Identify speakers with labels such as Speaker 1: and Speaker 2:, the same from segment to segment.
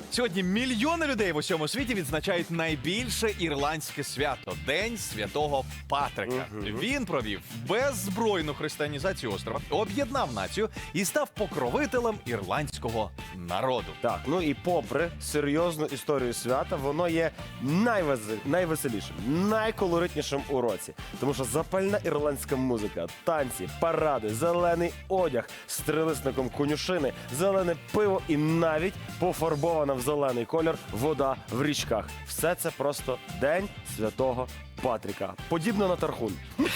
Speaker 1: Сьогодні мільйони людей в усьому світі відзначають найбільше ірландське свято – День Святого Патрика. Він провів беззбройну християнізацію острова, об'єднав націю і став покровителем ірландського народу.
Speaker 2: Так, ну і попри серйозну історію свята, воно є найвеселішим, найколоритнішим у році. Тому що запальна ірландська музика, танці, паради, зелений одяг з трилисником конюшини, зелене пиво і навіть пофарбована в зелений колір вода в річках. Все це просто День Святого Патрика. Подібно на Тархун.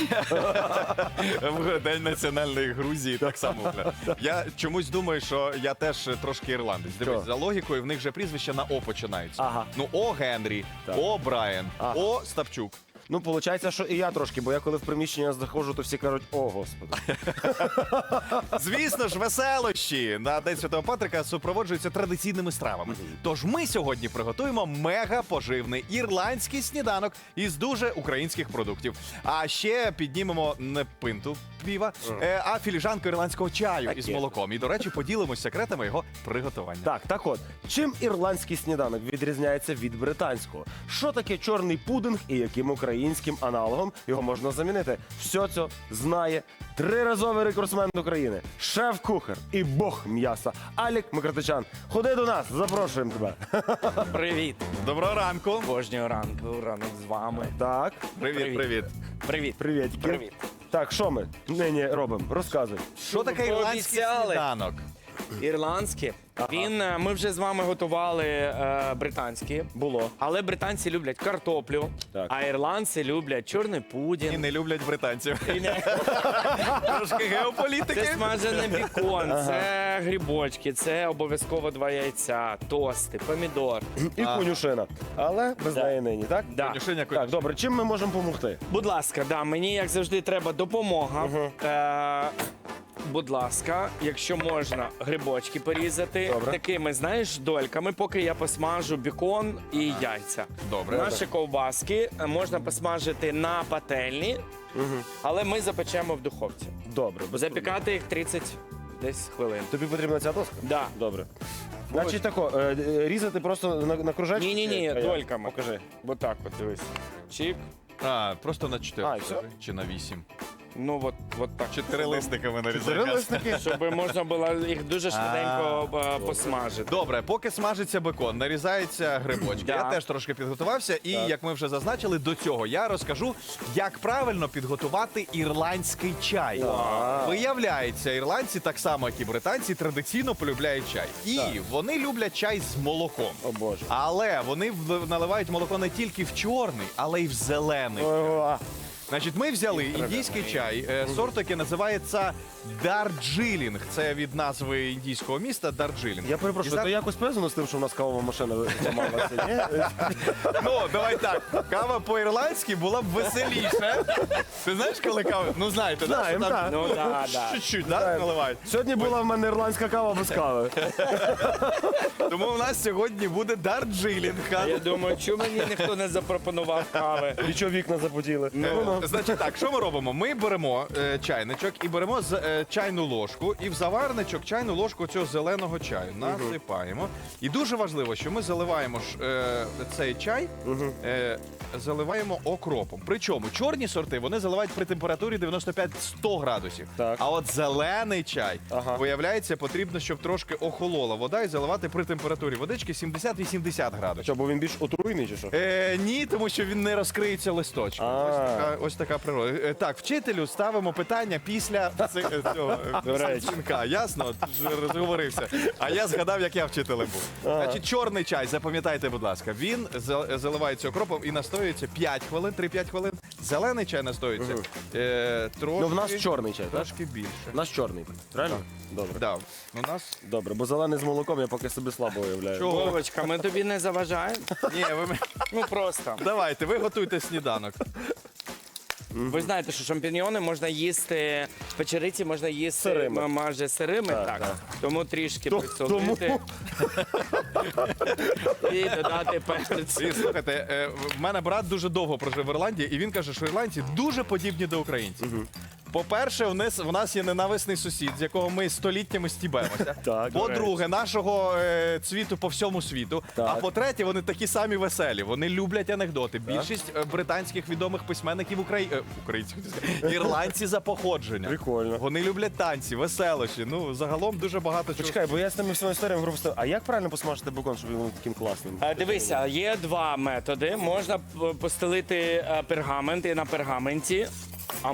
Speaker 1: В День національної Грузії так само. Я чомусь думаю, що я теж трошки ірландець. Дивись, за логікою, в них же прізвища на О починаються.
Speaker 2: Ага.
Speaker 1: Ну, О Генрі,
Speaker 2: Так.
Speaker 1: О Брайан,
Speaker 2: Ага.
Speaker 1: О Ставчук.
Speaker 2: Ну, виходить, що і я трошки, бо я коли в приміщення заходжу, то всі кажуть, о, Господи.
Speaker 1: Звісно ж, веселощі на День Святого Патрика супроводжуються традиційними стравами. Тож ми сьогодні приготуємо мега-поживний ірландський сніданок із дуже українських продуктів. А ще піднімемо не пинту піва, а філіжанку ірландського чаю із
Speaker 2: є.
Speaker 1: молоком. І, до речі, поділимось секретами його приготування.
Speaker 2: Так от, чим ірландський сніданок відрізняється від британського? Що таке чорний пудинг і яким українським аналогом його можна замінити? Все це знає триразовий рекордсмен України, шеф-кухар і бог м'яса Алік Микротичан. Ходи до нас, запрошуємо тебе.
Speaker 3: Привіт!
Speaker 1: Доброго ранку.
Speaker 3: Кожного ранку, ранок з вами.
Speaker 2: Так,
Speaker 1: Привіт, привіт.
Speaker 3: Привіт.
Speaker 2: привіт.
Speaker 3: Привіт.
Speaker 2: Так, що ми нині робимо? Розказуй.
Speaker 1: Що таке ірландський
Speaker 3: Пообіцяли.
Speaker 1: сніданок?
Speaker 3: Ірландське. Ми вже з вами готували британські.
Speaker 2: Було.
Speaker 3: Але британці люблять картоплю,
Speaker 2: Так.
Speaker 3: а ірландці люблять чорний
Speaker 1: І
Speaker 3: пудінг.
Speaker 1: не люблять британців.
Speaker 3: І не-
Speaker 1: Трошки геополітики.
Speaker 3: Це смажений бікон, це грибочки, це обов'язково 2 яйця, тости, помідор.
Speaker 2: І конюшина. Але без
Speaker 3: Да.
Speaker 2: неї нині, так?
Speaker 3: Да.
Speaker 1: Конюшиня,
Speaker 2: Так, добре, чим ми можемо допомогти?
Speaker 3: Будь ласка, да, мені, як завжди, треба допомога. Будь ласка, якщо можна, грибочки порізати
Speaker 2: Добре.
Speaker 3: такими, знаєш, дольками, поки я посмажу бікон і яйця.
Speaker 1: Добре.
Speaker 3: Наші ковбаски можна посмажити на пательні, але ми запечемо в духовці.
Speaker 2: Добре. без
Speaker 3: Запікати їх 30 десь хвилин.
Speaker 2: Тобі потрібна ця доска?
Speaker 3: Да.
Speaker 2: Добре. Значить тако, різати просто на кружечки?
Speaker 3: Ні-ні-ні,
Speaker 2: А як?
Speaker 3: дольками.
Speaker 2: Покажи.
Speaker 3: Бо так от, дивись. Чик.
Speaker 1: А, просто на 4
Speaker 2: А, і все?
Speaker 1: чи на 8.
Speaker 3: Ну, от так.
Speaker 1: 4 листиками нарізаємо.
Speaker 2: Перелисники.
Speaker 3: Щоб можна було їх дуже швиденько посмажити.
Speaker 1: Добре, поки смажиться бекон, нарізаються грибочки.
Speaker 3: Да.
Speaker 1: Я теж трошки підготувався, і як ми вже зазначили, до цього я розкажу, як правильно підготувати ірландський чай. Виявляється, ірландці, так само як і британці, традиційно полюбляють чай. І вони люблять чай з молоком.
Speaker 2: О Боже.
Speaker 1: Але вони наливають молоко не тільки в чорний, але й в зелений.
Speaker 2: О,
Speaker 1: Значить, ми взяли індійський чай, сорт, який називається Дарджилінг. Це від назви індійського міста Дарджилінг.
Speaker 2: Я перепрошую, то якось пов'язано з тим, що в нас кавова машина зламалася, ні?
Speaker 1: Ну, давай так. Кава по-ірландськи була б веселіше. Ти знаєш, коли кава? Ну, знаєте, да,
Speaker 2: Знаємо,
Speaker 1: що там
Speaker 2: так.
Speaker 3: Ну, да, да.
Speaker 1: чуть-чуть, да, наливають.
Speaker 2: Сьогодні була в мене ірландська кава без кави.
Speaker 1: Тому у нас сьогодні буде Дарджилінг.
Speaker 3: Я думаю, чому мені ніхто не запропонував кави?
Speaker 2: І чого вікна запотіли?
Speaker 1: Значить так, що ми робимо? Ми беремо чайничок і беремо чайну ложку, і в заварничок чайну ложку цього зеленого чаю насипаємо. І дуже важливо, що ми заливаємо цей чай, заливаємо окропом. Причому чорні сорти вони заливають при температурі 95-100 градусів.
Speaker 2: Так.
Speaker 1: А от зелений чай,
Speaker 2: Ага.
Speaker 1: виявляється, потрібно, щоб трошки охолола вода і заливати при температурі водички 70-80 градусів.
Speaker 2: Що, бо він більш отруйний чи що?
Speaker 1: Ні, тому що він не розкриється листочком. Ось така природа. Так, вчителю ставимо питання після цього дзвінка. Ясно? Ти ж розговорився. А я згадав, як я вчителем був. Значить, чорний чай, запам'ятайте, будь ласка, він заливається окропом і настоюється 5 хвилин, 3-5 хвилин. Зелений чай настоюється трошки.
Speaker 2: Ну, в нас чорний чай, так?
Speaker 1: Трошки більше.
Speaker 2: У нас чорний, правильно? Добре.
Speaker 1: Да. У нас...
Speaker 2: Добре, бо зелений з молоком я поки собі слабо уявляю.
Speaker 1: Чого?
Speaker 3: Вовочка, ми тобі не заважаємо?
Speaker 1: Ні,
Speaker 3: Ну просто.
Speaker 1: давайте, ви готуйте сніданок.
Speaker 3: Ви знаєте, що шампіньйони можна їсти, печериці можна їсти
Speaker 2: Сирими.
Speaker 3: майже сирими, так.
Speaker 2: так.
Speaker 3: Тому трішки
Speaker 2: Тому-
Speaker 3: присолити і додати перець.
Speaker 1: І, слухайте, в мене брат дуже довго прожив в Ірландії, і він каже, що ірландці дуже подібні до українців. По-перше, в нас є ненависний сусід, з якого ми століттями стібемося.
Speaker 2: Так,
Speaker 1: По-друге, нашого цвіту по всьому світу.
Speaker 2: Так.
Speaker 1: А по-третє, вони такі самі веселі. Вони люблять анекдоти. Більшість британських відомих письменників українських ірландці за походження.
Speaker 2: Прикольно.
Speaker 1: Вони люблять танці, веселощі. Ну, загалом дуже багато чого.
Speaker 2: Почекай, бо я з тими всіма історіями пропустив. А як правильно посмажити бекон, щоб він був таким класним?
Speaker 3: Дивися, є два методи. Можна постелити пергамент і на пергаменті, а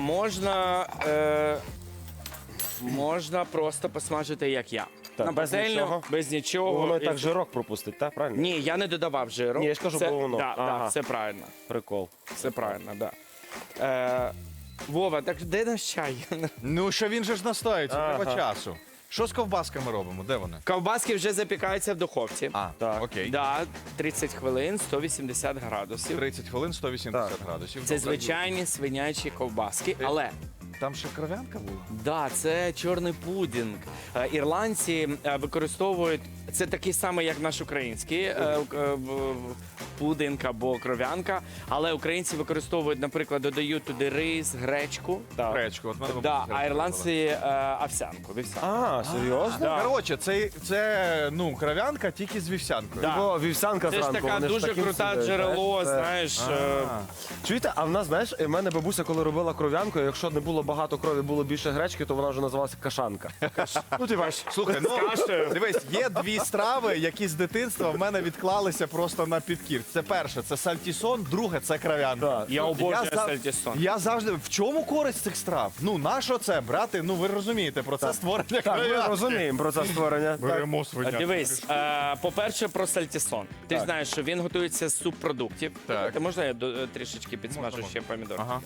Speaker 3: можна просто посмажити, як я.
Speaker 2: Так,
Speaker 3: на
Speaker 2: без
Speaker 3: пательню,
Speaker 2: нічого?
Speaker 3: без нічого.
Speaker 2: Воно і
Speaker 3: І-
Speaker 2: так жирок пропустить, так? Правильно?
Speaker 3: Ні, я не додавав жиру.
Speaker 2: Ні, я ж кажу,
Speaker 3: Це-
Speaker 2: бо воно.
Speaker 3: Да,
Speaker 2: Ага.
Speaker 3: да, все правильно.
Speaker 2: Прикол.
Speaker 3: Все правильно, да. Вова, так де наш чай?
Speaker 1: Ну, що він же ж настоїться, треба
Speaker 2: Ага.
Speaker 1: часу. Що з ковбасками робимо? Де вони?
Speaker 3: Ковбаски вже запікаються в духовці.
Speaker 2: Так.
Speaker 1: Окей.
Speaker 3: Да, 30 хвилин, 180 градусів.
Speaker 1: 30 хвилин, 180 градусів.
Speaker 3: Це
Speaker 1: Добре.
Speaker 3: звичайні свинячі ковбаски, але
Speaker 1: Там ще кров'янка була?
Speaker 3: да, це чорний пудінг. Ірландці використовують це такий самий, як наш український пудинг або кров'янка, але українці використовують, наприклад, додають туди рис, гречку.
Speaker 1: Гречку. От мене
Speaker 3: Да,
Speaker 1: бабуся
Speaker 3: а
Speaker 1: робила.
Speaker 3: ірландці овсянку. вівсянку.
Speaker 2: А, серйозно?
Speaker 3: Да.
Speaker 1: Коротше, це ну, кров'янка тільки з вівсянкою.
Speaker 3: Да.
Speaker 2: Бо вівсянка
Speaker 3: Це ж
Speaker 2: зранку,
Speaker 3: така
Speaker 2: вони ж
Speaker 3: дуже
Speaker 2: таким
Speaker 3: крута
Speaker 2: сидять,
Speaker 3: джерело,
Speaker 2: знаєш,
Speaker 3: знаєш.
Speaker 2: Чуєте, а в нас, знаєш, в мене бабуся, коли робила кров'янку, якщо не було багато крові, було більше гречки, то вона вже називалася кашанка.
Speaker 3: Ну, ти бачиш,
Speaker 1: Слухай, ну
Speaker 3: кашею.
Speaker 1: дивись, є дві страви, які з дитинства в мене відклалися просто на підкір. Це перше, це сальтісон, друге це кров'янка.
Speaker 2: Так.
Speaker 3: Я обожнюю
Speaker 1: за-
Speaker 3: сальтісон.
Speaker 1: Я завжди в чому користь цих страв? Ну на що це брати? Ну ви розумієте про це створення
Speaker 2: Так, ми
Speaker 1: кров'янки.
Speaker 2: розуміємо про це створення. Так.
Speaker 1: Беремо свиня.
Speaker 3: Дивись, по-перше, про сальтісон. Ти ж знаєш, що він готується з субпродуктів.
Speaker 1: Так.
Speaker 3: Ти можна я трішечки підсмажу
Speaker 1: Можна.
Speaker 3: ще помідор?
Speaker 1: Ага.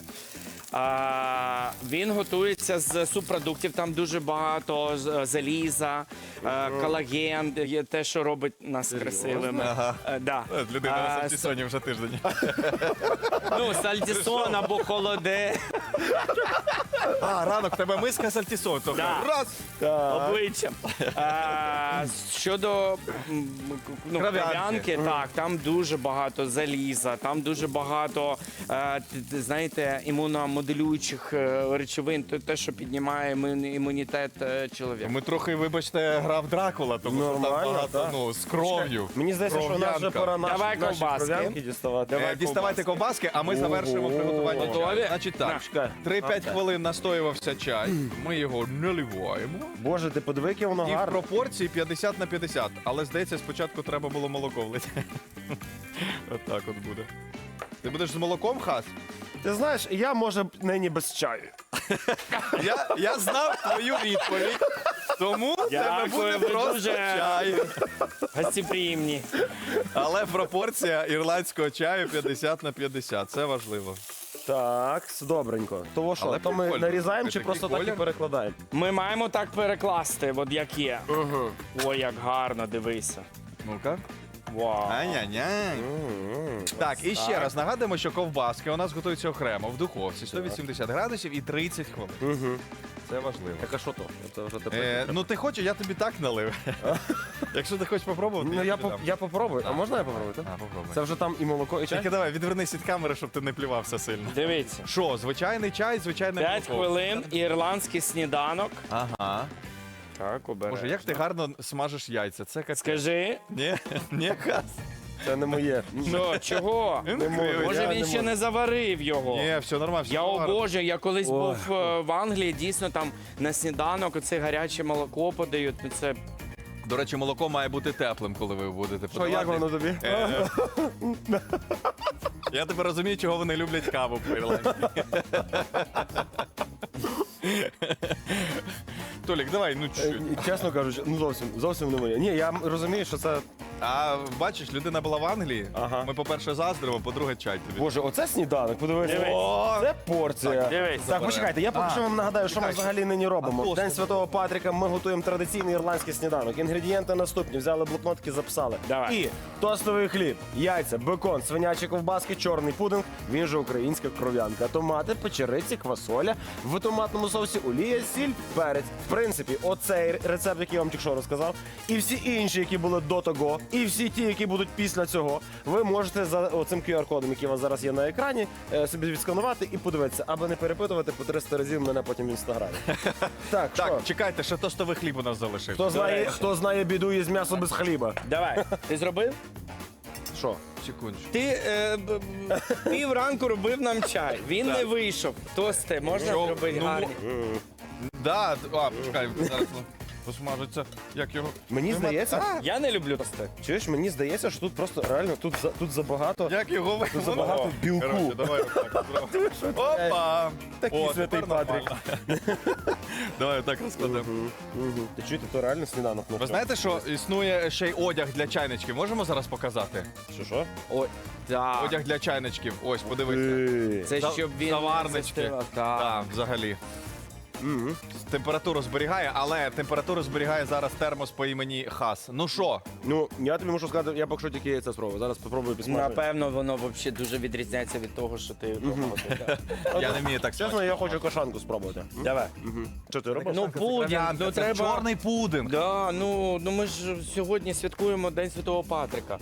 Speaker 3: Він готується з субпродуктів, там дуже багато заліза, колаген, є те, що робить нас красивими.
Speaker 1: Ага.
Speaker 3: Да.
Speaker 1: Людина на
Speaker 3: А,
Speaker 1: сальтісоні вже тиждень.
Speaker 3: Ну, сальтісон або холоде.
Speaker 1: А, ранок, в тебе миска сальтісон. Тобто
Speaker 3: Да.
Speaker 1: раз.
Speaker 3: Обличчям. Щодо кров'янки, так, там дуже багато заліза, там дуже багато, знаєте, імуномоделюючих речовин, те, що піднімає імунітет чоловіка.
Speaker 1: Ми трохи, вибачте, грав Дракула, тому що там
Speaker 2: Нормально,
Speaker 1: багато,
Speaker 2: так.
Speaker 1: ну, з кров'ю.
Speaker 2: Мені здається, що у нас вже
Speaker 1: Кров'янка.
Speaker 2: пора
Speaker 3: Давай
Speaker 2: наші
Speaker 3: ковбаски.
Speaker 2: кров'янки діставати.
Speaker 1: Діставайте ковбаски, а ми завершуємо приготування
Speaker 3: Готові?
Speaker 1: чаю. Значить так,
Speaker 2: Чекай.
Speaker 1: 3-5 хвилин настоювався чай, ми його наливаємо.
Speaker 2: Боже, ти подиви, яке воно
Speaker 1: І в
Speaker 2: гарне.
Speaker 1: пропорції 50 на 50. Але, здається, спочатку треба було молоко влити. Отак от буде. Ти будеш з молоком, Хас?
Speaker 2: Ти знаєш, я, може, нині без чаю.
Speaker 1: Я знав твою відповідь, тому в тебе
Speaker 3: Дякую,
Speaker 1: буде
Speaker 3: ви
Speaker 1: просто
Speaker 3: дуже-
Speaker 1: чай.
Speaker 3: Гостеприємні.
Speaker 1: Але пропорція ірландського чаю 50 на 50. Це важливо.
Speaker 2: Так, добренько. Того що,
Speaker 1: Але
Speaker 2: то ми
Speaker 1: прикольно.
Speaker 2: нарізаємо чи
Speaker 1: Такий
Speaker 2: просто так і
Speaker 1: колір.
Speaker 2: перекладаємо?
Speaker 3: Ми маємо так перекласти, от як є. Ой, як гарно, дивися.
Speaker 1: Ну-ка.
Speaker 3: Вау.
Speaker 1: Ай-яй-яй. Так, і ще раз нагадуємо, що ковбаски у нас готуються окремо в духовці 180 градусів і 30 хвилин.
Speaker 2: Угу.
Speaker 1: Це важливо.
Speaker 2: Так а що то? Це вже тепер.
Speaker 1: Ну ти хочеш, я тобі так налив. Якщо ти хочеш попробувати,
Speaker 2: Ну я,
Speaker 1: тобі дам.
Speaker 2: я попробую. А можна я попробую? так?
Speaker 1: А, попробуй.
Speaker 2: Це вже там і молоко, і чай?
Speaker 1: Тільки давай, відвернись від камери, щоб ти не плювався сильно.
Speaker 3: Дивіться.
Speaker 1: Що, звичайний чай, звичайне
Speaker 3: 5
Speaker 1: молоко.
Speaker 3: хвилин ірландський сніданок.
Speaker 1: Ага.
Speaker 3: Так, обережно.
Speaker 1: Боже, як ти гарно смажеш яйця. Це капець.
Speaker 3: Скажи,
Speaker 1: Ні, ні, Хас.
Speaker 2: Це не моє.
Speaker 3: що, чого?
Speaker 1: Не
Speaker 2: можу.
Speaker 3: Може
Speaker 2: Я
Speaker 3: він
Speaker 2: не
Speaker 3: ще
Speaker 2: можу.
Speaker 3: не заварив його.
Speaker 1: Ні, все нормально. все
Speaker 3: Я
Speaker 1: гарно.
Speaker 3: обожнюю, я колись
Speaker 2: Ой.
Speaker 3: був в Англії, дійсно там на сніданок оце гаряче молоко подають. Ну це
Speaker 1: До речі, молоко має бути теплим, коли ви будете
Speaker 2: Що, як
Speaker 1: подавати.
Speaker 2: воно тобі?
Speaker 1: Я тепер розумію, чого вони люблять каву по Ірландії. Толік, давай, ну чуть.
Speaker 2: Чесно кажучи, ну зовсім не моє. Ні, я розумію, що це.
Speaker 1: А бачиш, людина була в Англії.
Speaker 2: Ага.
Speaker 1: Ми, по-перше, заздримо, по-друге, чай тобі.
Speaker 2: Боже, оце сніданок, подивися.
Speaker 3: Дивись.
Speaker 2: О, це порція.
Speaker 3: дивись.
Speaker 2: Так, почекайте, я поки що вам нагадаю, що ми
Speaker 1: чекай,
Speaker 2: взагалі нині робимо.
Speaker 1: А
Speaker 2: В День
Speaker 1: тост?
Speaker 2: Святого Патріка ми готуємо традиційний ірландський сніданок. Інгредієнти наступні. Взяли блокнотки, записали.
Speaker 3: Давай.
Speaker 2: І тостовий хліб, яйця, бекон, свинячі ковбаски, чорний пудинг, він же українська кров'янка, томати, печериці, квасоля, в томатному соусі олія, сіль, перець. В принципі, оцей рецепт, який я вам тільки що розказав, і всі інші, які були до того, І всі ті, які будуть після цього, ви можете за оцим QR-кодом, який у вас зараз є на екрані, собі відсканувати і подивитися, аби не перепитувати по 300 разів мене потім в інстаграмі. Так, що?
Speaker 1: Так, чекайте, ще тостовий хліб у нас залишився.
Speaker 2: Хто знає біду із м'ясо без хліба?
Speaker 3: Давай, ти зробив?
Speaker 2: Що?
Speaker 1: Секундочку.
Speaker 3: Ти пів ранку робив нам чай. Він не вийшов. Тости можна
Speaker 1: Що?
Speaker 3: зробити
Speaker 1: Ну,
Speaker 3: гарні.
Speaker 1: Да, почекай, зараз посмажиться. Як його?
Speaker 2: Мені здається,
Speaker 3: Я не люблю тости.
Speaker 2: чуєш, мені здається, що тут просто реально тут забагато.
Speaker 1: Як його
Speaker 2: Тут забагато білку.
Speaker 1: Коротше, давай отак зробимо. Опа!
Speaker 2: Такий
Speaker 1: О,
Speaker 2: святий
Speaker 1: тепер
Speaker 2: Патрік.
Speaker 1: нормально. Давай отак розкладемо.
Speaker 2: Ти чуєте, то реально сніданок.
Speaker 1: Ви знаєте, що існує ще й одяг для чайничків? Можемо зараз показати?
Speaker 2: що?
Speaker 3: Ой, так.
Speaker 1: Одяг для чайничків. Ось, подивіться.
Speaker 3: Це щоб він не
Speaker 1: Заварнички.
Speaker 3: застивав. Так.
Speaker 1: Так, взагалі. Температуру зберігає, але температуру зберігає зараз термос по імені Хас. Ну що?
Speaker 2: Ну, я тобі можу сказати, я поки що тільки яйця спробую. Зараз спробую підсмажити.
Speaker 3: Напевно, воно взагалі дуже відрізняється від того, що ти готував.
Speaker 1: Я не вмію так
Speaker 2: Чесно, я хочу кашанку спробувати.
Speaker 3: Давай.
Speaker 2: Що ти робиш?
Speaker 3: Ну, пудінг, ну
Speaker 1: Це
Speaker 3: треба.
Speaker 1: чорний пудинг.
Speaker 3: Да, ну ми ж сьогодні святкуємо День Святого Патрика.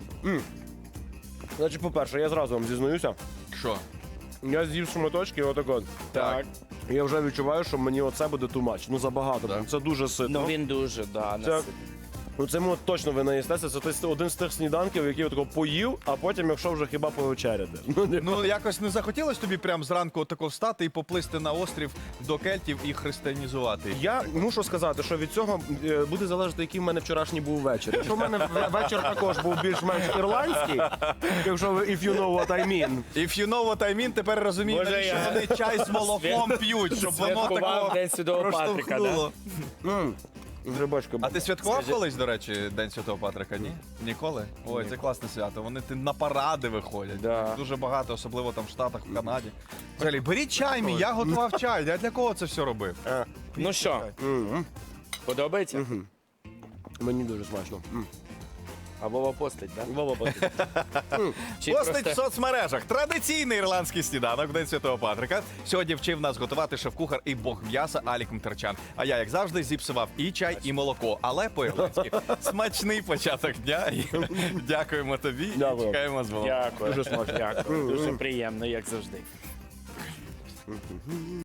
Speaker 2: Значить, по-перше, я зразу вам зізнаюся.
Speaker 1: Що?
Speaker 2: Я з'їв шматочки, отак от.
Speaker 3: Так.
Speaker 2: Я вже відчуваю, що мені оце буде too much. Ну, забагато.
Speaker 1: Так.
Speaker 2: Це дуже ситно.
Speaker 3: Ну він дуже, да,
Speaker 2: Це-
Speaker 3: наситний.
Speaker 2: Ну, це точно ви наїстеся. Це один з тих сніданків, який я тако поїв, а потім, якщо вже хіба повечеряти.
Speaker 1: Ну, якось не захотілося тобі прям зранку тако встати і поплисти на острів до кельтів і християнізувати їх?
Speaker 2: Я мушу сказати, що від цього буде залежати, який в мене вчорашній був вечір. Якщо в мене вечір також був більш-менш ірландський, якщо ви if you know what I mean.
Speaker 1: If you know what I mean, тепер розумію,
Speaker 3: Може,
Speaker 1: навіщо
Speaker 3: я-
Speaker 1: вони чай з молоком п'ють, щоб воно
Speaker 3: Святкував
Speaker 1: такого
Speaker 3: День Святого Патрика, да?
Speaker 1: проштовхнуло.
Speaker 2: Грибочка.
Speaker 1: А ти святкував колись, до речі, День Святого Патрика? Ні? Ніколи? Ой, це класне свято. Вони на паради виходять.
Speaker 3: Да.
Speaker 1: Дуже багато, особливо там в Штатах, в Канаді. Взагалі, беріть чай мій, я готував чай. Я для кого це все робив?
Speaker 3: Ну що, подобається?
Speaker 2: Мені дуже смачно.
Speaker 3: А Вова постить, так?
Speaker 2: Вова,
Speaker 3: Чи
Speaker 1: Постить в
Speaker 3: просто-
Speaker 1: соцмережах. Традиційний ірландський сніданок в День Святого Патрика. Сьогодні вчив нас готувати шеф-кухар і бог м'яса Алік Мтерчан. А я, як завжди, зіпсував і чай, і молоко. Але по-ірландськи. Смачний початок дня. І дякуємо тобі.
Speaker 2: Дякую.
Speaker 1: І чекаємо з Вовом.
Speaker 3: Дякую.
Speaker 2: Дуже смачно.
Speaker 3: Дякую. Дуже приємно, як завжди.